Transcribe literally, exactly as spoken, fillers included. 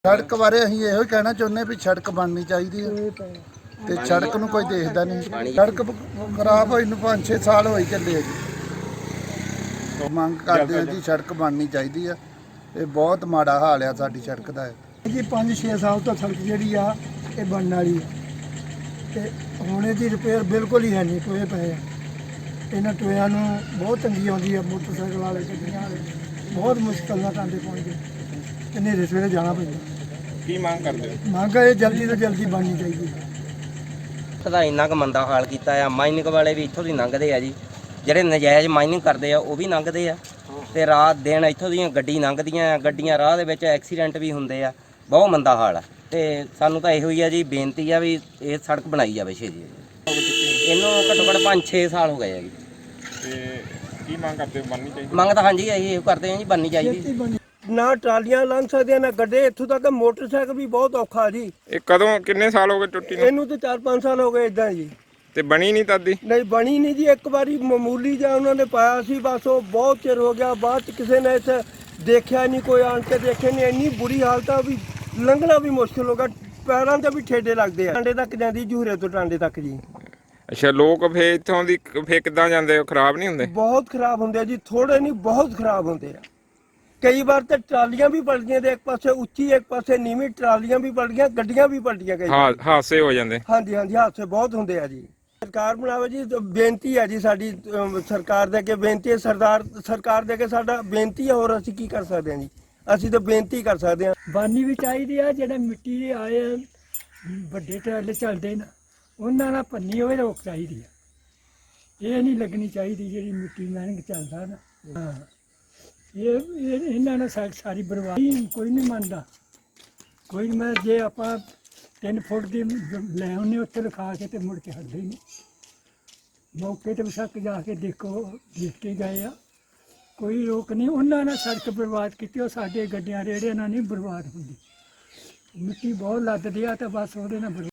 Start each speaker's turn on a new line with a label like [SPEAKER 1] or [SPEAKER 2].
[SPEAKER 1] सड़क बारे असीं इहो कहना चाहुंदे भी सड़क बननी चाहिए ते सड़क नूं कोई देखदा नहीं। सड़क खराब होई नूं पाँच छे साल हो ही चले जी। मंग करदे आ जी सड़क बननी चाहिए है। ये बहुत माड़ा हाल है साडी सड़क दा जी।
[SPEAKER 2] पाँच छे साल तो सड़क जिहड़ी आ ये बनने वाली है ते हुण इहदी रिपेयर बिल्कुल ही है नहीं। टोए पे इन्हां टोयां नूं बहुत तंगी आउंदी है। मोटरसाइकिल वाले गड्डियां वाले बहुत मुश्किल नाल टांडे पहुंचदे ते नेरे सवेरे जाना पैंदा।
[SPEAKER 3] की मांग करदे हो?
[SPEAKER 2] ਮੰਗ ਇਹ ਜਲਦੀ ਤੋਂ ਜਲਦੀ ਬਣਨੀ ਚਾਹੀਦੀ ਹੈ।
[SPEAKER 4] ਦਾ ਇੰਨਾ ਕੁ ਮੰਦਾ ਹਾਲ ਕੀਤਾ ਆ। ਮਾਈਨਿੰਗ ਵਾਲੇ ਵੀ ਇੱਥੋਂ ਦੀ ਲੰਘਦੇ ਆ ਜੀ, ਜਿਹੜੇ ਨਜਾਇਜ਼ ਮਾਈਨਿੰਗ ਕਰਦੇ ਆ ਉਹ ਵੀ ਲੰਘਦੇ ਆ ਤੇ ਰਾਤ ਦਿਨ ਇੱਥੋਂ ਦੀਆਂ ਗੱਡੀ ਲੰਘਦੀਆਂ ਆ। ਗੱਡੀਆਂ ਰਾਹ ਦੇ ਵਿੱਚ ਐਕਸੀਡੈਂਟ ਵੀ ਹੁੰਦੇ ਆ। ਬਹੁਤ ਮੰਦਾ ਹਾਲ ਆ ਤੇ ਸਾਨੂੰ ਤਾਂ ਇਹੋ ਹੀ ਆ ਜੀ, ਬੇਨਤੀ ਆ ਵੀ ਇਹ ਸੜਕ ਬਣਾਈ ਜਾਵੇ ਛੇਤੀ। ਇਹਨੂੰ ਘੱਟੋ ਘੱਟ ਪੰਜ ਛੇ ਸਾਲ ਹੋ ਗਏ ਆ ਜੀ।
[SPEAKER 3] ਤੇ ਕੀ ਮੰਗ ਕਰਦੇ ਹੋ? ਬਣਨੀ ਚਾਹੀਦੀ
[SPEAKER 4] ਮੰਗ ਤਾਂ ਹਾਂਜੀ ਅਸੀਂ ਇਹ ਕਰਦੇ ਆ ਜੀ, ਬਣਨੀ ਚਾਹੀਦੀ।
[SPEAKER 2] ਨਾ ਟਰਾਲੀਆਂ ਲੰਘ ਸਕਦੀਆਂ ਨਾ ਗੱਡੇ, ਇੱਥੋਂ ਤੱਕ ਮੋਟਰਸਾਈਕਲ ਵੀ ਬਹੁਤ ਔਖਾ ਜੀ।
[SPEAKER 3] ਇਹ ਕਦੋਂ ਕਿੰਨੇ ਸਾਲ ਹੋ ਗਏ ਟੁੱਟੀ ਨੂੰ?
[SPEAKER 2] ਇਹਨੂੰ ਤਾਂ ਚਾਰ ਪੰਜ ਸਾਲ ਹੋ ਗਏ ਇਦਾਂ ਜੀ।
[SPEAKER 3] ਤੇ ਬਣੀ ਨਹੀਂ ਤਦ ਦੀ?
[SPEAKER 2] ਨਹੀਂ ਬਣੀ ਨਹੀਂ ਜੀ। ਇੱਕ ਵਾਰੀ ਮਾਮੂਲੀ ਜਿਹਾ ਉਹਨਾਂ ਨੇ ਪਾਇਆ ਸੀ, ਬਸ ਉਹ ਬਹੁਤ ਚਿਰ ਹੋ ਗਿਆ। ਬਾਅਦ ਚ ਕਿਸੇ ਨੇ ਇੱਥੇ ਦੇਖਿਆ ਨਹੀਂ, ਕੋਈ ਆਣ ਕੇ ਦੇਖੇ ਨਹੀਂ। ਇੰਨੀ ਬੁਰੀ ਹਾਲਤ ਆ ਵੀ ਲੰਘਣਾ ਵੀ ਮੁਸ਼ਕਿਲ ਹੋ ਗਿਆ। ਪੈਰਾਂ ਤੇ ਵੀ ਠੇਡੇ ਲੱਗਦੇ ਆ। ਟਾਂਡੇ ਤੱਕ ਜਾਂਦੀ ਜੂਹਰੇ ਤੋਂ ਟਾਂਡੇ ਤੱਕ ਜੀ।
[SPEAKER 3] ਅੱਛਾ, ਲੋਕ ਫੇ ਇੱਥੋਂ ਦੀ ਫੇ ਕਿੱਦਾਂ ਜਾਂਦੇ ਹੋ? ਖਰਾਬ ਨਹੀਂ ਹੁੰਦੇ?
[SPEAKER 2] ਬਹੁਤ ਖਰਾਬ ਹੁੰਦੇ ਆ ਜੀ, ਥੋੜੇ ਨਹੀਂ ਬਹੁਤ ਖਰਾਬ ਹੁੰਦੇ ਆ। ਕਈ ਵਾਰ ਤਾਂ ਟਰਾਲੀਆਂ ਵੀ ਪਲਟੀਆਂ ਤੇ ਇੱਕ ਪਾਸੇ ਉੱਚੀ ਇੱਕ ਪਾਸੇ ਨੀਵੀਂ, ਟਰਾਲੀਆਂ ਵੀ ਪਲਟੀਆਂ, ਗੱਡੀਆਂ ਵੀ ਪਲਟੀਆਂ ਕਈ
[SPEAKER 3] ਹਾਂ, ਹਾਦਸੇ ਹੋ ਜਾਂਦੇ।
[SPEAKER 2] ਹਾਂਜੀ ਹਾਂਜੀ, ਹਾਦਸੇ ਬਹੁਤ ਹੁੰਦੇ ਆ ਜੀ। ਸਰਕਾਰ ਬਣਾਵੇ ਜੀ। ਬੇਨਤੀ ਹੈ ਜੀ ਸਾਡੀ ਅਮ, ਸਰਕਾਰ ਦੇ ਅੱਗੇ ਬੇਨਤੀ ਹੈ। ਸਰਦਾਰ ਸਰਕਾਰ ਦੇ ਅੱਗੇ ਸਾਡਾ ਬੇਨਤੀ ਹੈ। ਹੋਰ ਅਸੀਂ ਕੀ ਕਰ ਸਕਦੇ ਹਾਂ ਜੀ? ਅਸੀਂ ਤਾਂ ਬੇਨਤੀ ਕਰ ਸਕਦੇ ਹਾਂ।
[SPEAKER 5] ਬਾਨੀ ਵੀ ਚਾਹੀਦੀ ਆ। ਜਿਹੜੇ ਮਿੱਟੀ ਦੇ ਆਏ ਆ, ਵੱਡੇ ਟਰਾਲੇ ਚੱਲਦੇ ਨੇ, ਉਹਨਾਂ ਨਾਲ ਪੰਨੀ ਹੋਵੇ ਰੋਕ ਚਾਹੀਦੀ ਆ। ਇਹ ਨਹੀਂ ਲੱਗਣੀ ਚਾਹੀਦੀ ਜਿਹੜੀ ਮਿੱਟੀ ਮਹਿੰਗ ਚੱਲਦਾ ਨਾ। ਹਾਂ, ਇਹ ਇਹ- ਇਹਨਾਂ ਨਾਲ ਸਾ- ਸਾਰੀ ਬਰਬਾਦੀ। ਕੋਈ ਨਹੀਂ ਮੰਨਦਾ, ਕੋਈ ਨਹੀਂ। ਮੈਂ ਜੇ ਆਪਾਂ ਤਿੰਨ ਫੁੱਟ ਦੀ ਲੈ ਆਉਂਦੇ ਉੱਥੇ ਲਿਖਾ ਕੇ ਤੇ ਮੁੜ ਕੇ ਹਟਦੇ ਹੀ ਨਹੀਂ। ਮੌਕੇ ਤੇ ਵਿਸ਼ੱਕ ਜਾ ਕੇ ਦੇਖੋ, ਦੇਖ ਕੇ ਗਏ ਆ। ਕੋਈ ਰੋਕ ਨਹੀਂ। ਉਹਨਾਂ ਨੇ ਸੜਕ ਬਰਬਾਦ ਕੀਤੀ, ਉਹ ਸਾਡੇ ਗੱਡੀਆਂ ਰੇੜਿਆਂ ਨਾਲ ਨਹੀਂ ਬਰਬਾਦ ਹੁੰਦੀ। ਮਿੱਟੀ ਬਹੁਤ ਲੱਦਦੀ ਆ ਤੇ ਬਸ ਉਹਦੇ ਨਾਲ ਬਰਬਾਦ